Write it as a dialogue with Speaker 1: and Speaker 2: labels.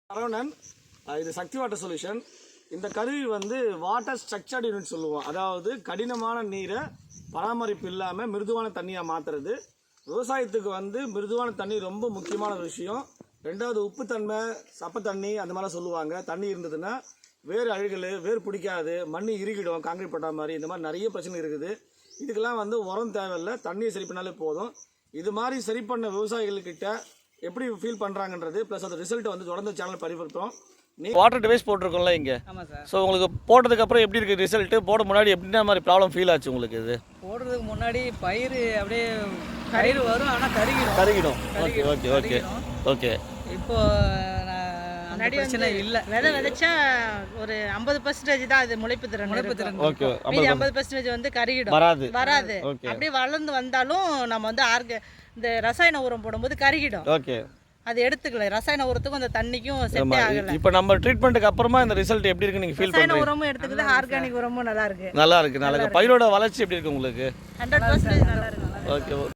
Speaker 1: சரவணன், இது சக்தி water solution. இந்த கருவி வந்து வாட்டர் ஸ்ட்ரக்சர்ட் யூனிட் சொல்லுவோம். அதாவது கடினமான நீரை பராமரிப்பு இல்லாமல் மிருதுவான தண்ணியாக மாற்றுறது. விவசாயத்துக்கு வந்து மிருதுவான தண்ணி ரொம்ப முக்கியமான விஷயம். ரெண்டாவது உப்புத்தன்மை, சப்ப தண்ணி அந்த மாதிரிலாம் சொல்லுவாங்க. தண்ணி இருந்ததுன்னா வேர் அழுகல், வேர் பிடிக்காது, மண் இறுகிடும், காங்கிரீட் போட்ட மாதிரி இந்த மாதிரி நிறைய பிரச்சனை இருக்குது. இதுக்கெல்லாம் வந்து உரம் தேவையில்லை, தண்ணியை சரி பண்ணாலே போதும். இது மாதிரி சரி பண்ண விவசாயிகள்கிட்ட எப்படி ஃபீல் பண்ணுறாங்கன்றது ப்ளஸ் அந்த ரிசல்ட்டை வந்து தொடர்ந்து சேனல் பரிவர்த்தோம். வாட்டர் டிவைஸ் போட்டிருக்கோம்ல இங்கே.
Speaker 2: ஆமாம் சார்.
Speaker 1: ஸோ உங்களுக்கு போட்டதுக்கப்புறம் எப்படி இருக்குது ரிசல்ட்டு? போட முன்னாடி எப்படின்னா மாதிரி ப்ராப்ளம் ஃபீல் ஆச்சு உங்களுக்கு? இது
Speaker 2: போடுறதுக்கு முன்னாடி பயிர் அப்படியே பயிர் வரும், ஆனால்
Speaker 1: கருகிடும். Okay okay okay okay.
Speaker 2: இப்போ முன்னாடி பிரச்சனை இல்லை.
Speaker 3: விதை விதைச்சா ஒரு 50% தான் அது முளைப்பு திறன்.
Speaker 1: ஓகே.
Speaker 3: மீதி 50% வந்து கருகிடும், வராது. அப்படியே வளர்ந்து வந்தாலும் நம்ம வந்து இந்த ரசாயன உரம் போடும்போது கருகிடும்.
Speaker 1: ஓகே.
Speaker 3: அது எடுத்துக்கல, ரசாயன உரத்துக்கும் அந்த தண்ணிக்கும் செட் ஆகல.
Speaker 1: இப்போ நம்ம ட்ரீட்மெண்ட்டுக்கு அப்புறமா இந்த ரிசல்ட் எப்படி இருக்கு நீங்க ஃபீல் பண்றீங்க?
Speaker 3: ரசாயன உரமும் எடுத்துக்குது, ஆர்கானிக் உரமும் நல்லா இருக்கு.
Speaker 1: நல்லா இருக்கு. பயிரோட வளர்ச்சி எப்படி இருக்கு உங்களுக்கு?
Speaker 3: 100% நல்லா இருக்கு.
Speaker 1: ஓகே.